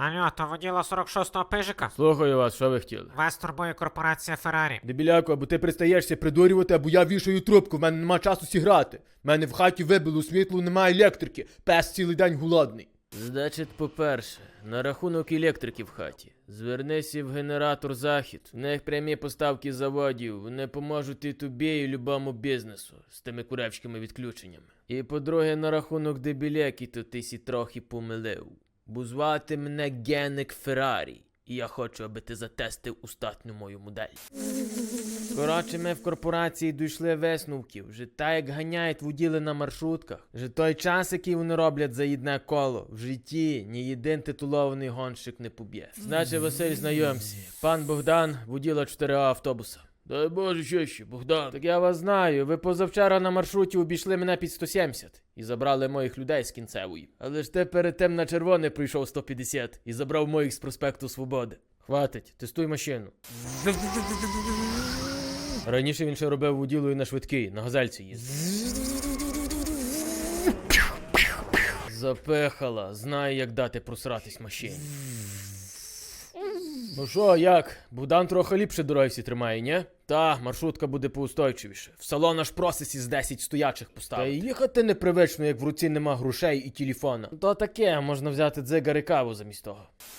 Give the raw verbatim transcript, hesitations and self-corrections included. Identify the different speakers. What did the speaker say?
Speaker 1: Алло, то воділа сорок шостого пижика?
Speaker 2: Слухаю вас, що ви хотіли?
Speaker 1: Вас турбує корпорація Феррарі.
Speaker 2: Дебіляку, або ти пристаєшся придурювати, або я вішаю трубку, в мене нема часу сіграти. В мене в хаті вибило світло, немає електрики. Пес цілий день голодний.
Speaker 3: Значить, по-перше, на рахунок електрики в хаті. Звернися в генератор Захід. В них прямі поставки заводів. Вони поможуть і тобі, і любому бізнесу з тими куревськими відключеннями. І по-друге, на рахунок дебіляки, то ти сі трохи помилив. Бо звати мене Генек Феррарі. І я хочу, аби ти затестив остатню мою модель. Коротше, ми в корпорації дійшли висновків. Вже так, як ганяють воділи на маршрутках. Вже той час, який вони роблять за одне коло. В житті ні один титулований гонщик не поб'є. Значить, Василь, знайомся. Пан Богдан, воділа чотири А автобуса. Дай Боже, що ще, Богдан? Так я вас знаю, ви позавчора на маршруті обійшли мене під сто сімдесят і забрали моїх людей з кінцевої. Але ж ти перед тим на червоне прийшов сто п'ятдесят і забрав моїх з проспекту Свободи. Хватить, тестуй машину. Раніше він ще робив воділою на швидкий, на газельці їздив. Запехала, знає, як дати просратись машині. Ну що, як? Богдан трохи ліпше дороги всі тримає, ні? Та, маршрутка буде поустойчивіше. В салон аж просить із десять стоячих поставити. Та й їхати непривично, як в руці нема грошей і телефона. То таке, можна взяти дзигар і каву замість того.